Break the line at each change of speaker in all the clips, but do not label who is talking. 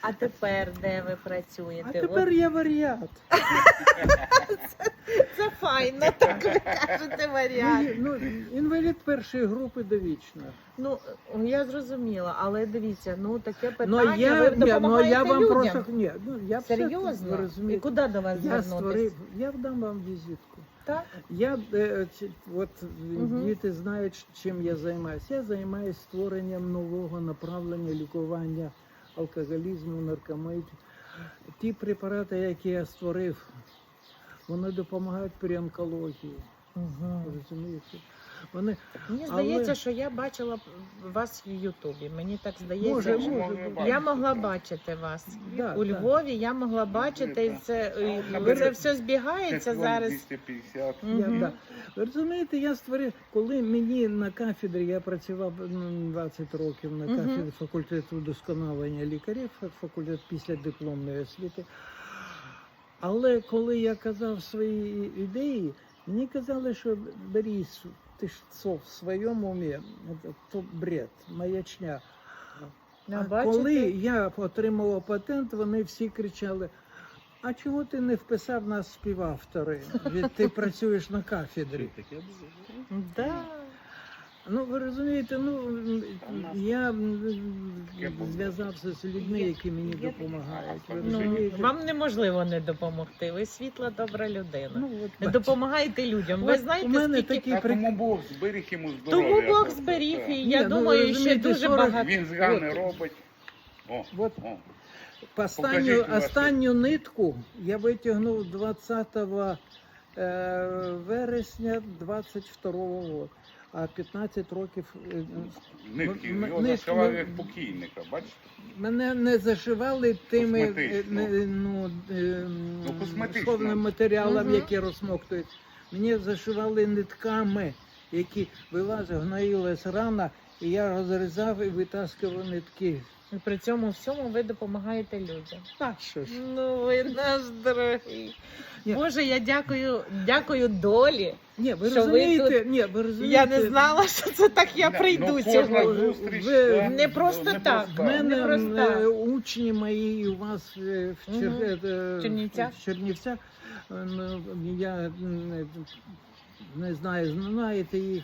А тепер де ви
А
працюєте?
тепер я варіант.
Це файно, так ви кажете варіант.
Інвалід першої групи довічно.
Ну, я зрозуміла, але дивіться, таке
Ну
питання, ви допомагаєте
я вам
людям.
просто я все, ви
Серйозно? І
розумієте.
куди до вас
Я
звернутися?
я дам вам візитку.
Так?
От діти знають, чим я займаюся. Я займаюся створенням нового направлення лікування алкоголізму, наркоманії. Ті препарати, які я створив, вони допомагають при онкології.
Угу.
Розумієте?
Мені здається, що я бачила вас в Ютубі. Мені так здається,
Може,
що
може.
я могла бачити вас.
Да,
У
да.
Львові я могла бачити, і це все збігається зараз.
250.
Да. Ви розумієте, я створив, коли мені на кафедрі, я працював 20 років на кафедрі факультету вдосконалення лікарів, факультет після дипломної освіти. Але коли я казав свої ідеї, мені казали, що Борис, ти ж в своєму умі, то бред, маячня. А коли я отримала патент, вони всі кричали: а чого ти не вписав нас співавтори? Ведь ти працюєш на кафедрі.
Да.
Ну, ви розумієте, я зв'язався з людьми, які мені допомагають. Ви розумієте?
Вам неможливо не допомогти. Ви світла, добра людина.
Ну, от бачите.
Допомагаєте людям. Ви
От
знаєте,
у мене
скільки...
такі
Тому Бог зберіг йому здоров'я.
Тому Бог зберіг, і
Ні,
я думаю, ще
розумієте,
дуже
40
багато.
Він згани робить.
От.
О.
Останню, останню нитку я витягнув 20 вересня 22 року, а 15 років...
Нитки, його
нитки,
зашивали як покійника, бачите?
Мене не зашивали тими
Косметично. Косметично.
сховним матеріалом, які розсмоктують. Мені зашивали нитками, які вилазили, гноїлась рана, і я розрізав і витаскував нитки.
І при цьому всьому ви допомагаєте людям.
Так що ж.
Ну, ви наш дорогий.
Ні.
Боже, я дякую долі.
Ні, ви
Що ви
розумієте,
тут-
ні, ви розумієте.
Я не знала, що це так я прийду
кожна
сьогодні.
зустріч,
Ви-
це
Не просто так.
непроста.
В мене
Непроста.
учні мої у вас в
Чернівцях?
в Чернівцях. Я не знаю, знаєте їх.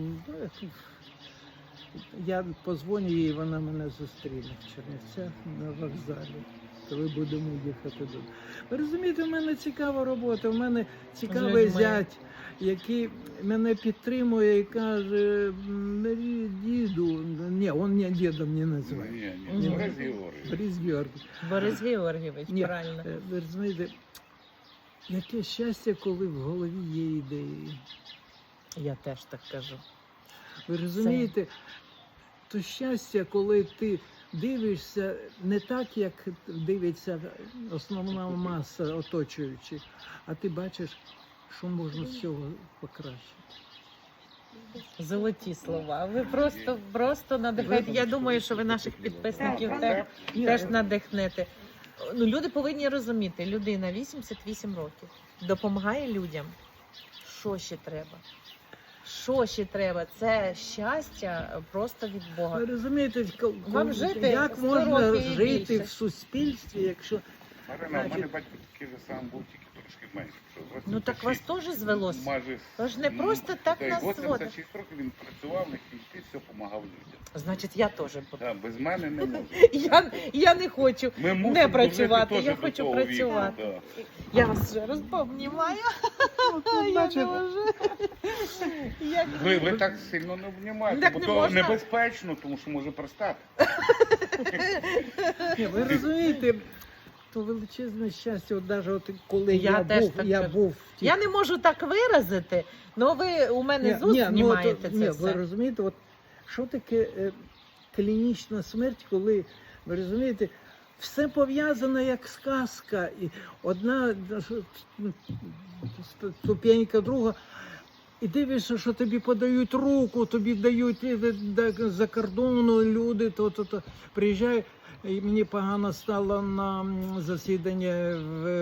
Я позвоню їй, вона мене зустріне в Чернівцях на вокзалі, коли будемо їхати додому. Ви розумієте, в мене цікава робота, в мене цікавий
людьми.
зять, який мене підтримує і каже: діду, ні, він мене дідом не називає.
Ні, Борис Георгійович.
Борис Георгій.
Борис Георгійович,
Ні,
правильно.
ви розумієте, яке щастя, коли в голові є ідеї.
Я теж так кажу.
Ви розумієте, то щастя, коли ти дивишся не так, як дивиться основна маса оточуючих, а ти бачиш, що можна з цього покращити.
Золоті слова. Ви просто надихаєте. Я думаю, що ви наших підписників теж надихнете. Люди повинні розуміти, людина 88 років допомагає людям. Що ще треба? Що ще треба? Це щастя просто від Бога.
Ви розумієте,
Вам жити
як
100
можна
років і
жити
більше.
в суспільстві, якщо...
Марина, у мене батько такий же сам був, тільки трошки менше.
Ну так вас теж звелося.
Майже...
Тож не просто так нас зводить.
86 років він працював, на кінці все допомагав людям.
Значить, я теж буду.
Да, без мене не може.
Я не хочу
Ми мусимо
не працювати,
дожити
я
теж
хочу
до того
працювати.
віку, да.
Я вас ще раз обнімаю. Я не можу.
Ви так сильно не обнімаєте,
Так
бо
не
то
можна.
небезпечно, тому що може пристати.
Ні, ви розумієте, то величезне щастя, от навіть от коли
Я теж так
я
кажу.
був в тій...
Я не можу так виразити, але ви у мене з уст знімаєте це
ви
все.
розумієте, от що таке клінічна смерть, коли, ви розумієте, все пов'язано як сказка, і одна ступенька, друга, і дивишся, що тобі подають руку, тобі дають за кордону люди, то приїжджають. І мені погано стало на засідання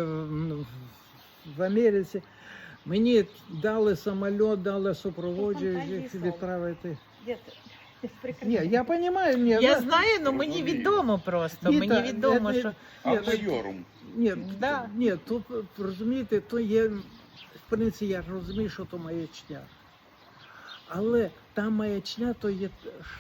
в Америці. Мені дали самоліт, дали супроводжуючих відправити. Ні, я розумію, ні,
Я знаю, але мені відомо просто.
Ні,
Мені
та,
відомо, що
Автойорум.
ні,
Да.
ні, тут, розумієте, то є, в принципі, я ж розумію, що то маячня. Але та маячня, то є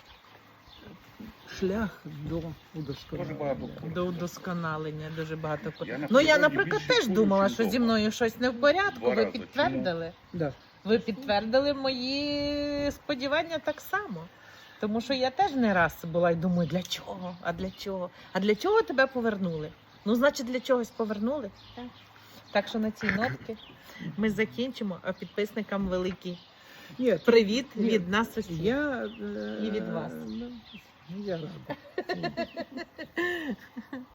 шлях до
Дуже
удосконалення.
багато.
до удосконалення дуже багато.
Я на
Ну я,
природі
наприклад,
більше
теж
курю,
думала,
чим
що зі
вдома.
мною щось не в порядку.
Два
Ви
рази.
підтвердили.
Да.
Ви підтвердили мої сподівання так само. Тому що я теж не раз була і думаю, для чого? А для чого? А для чого тебе повернули? Ну, значить, для чогось повернули. Так що на цій нотці ми закінчимо, а підписникам великий
Ні,
привіт
Ні.
від нас усіх.
я,
І від вас.
Я радий.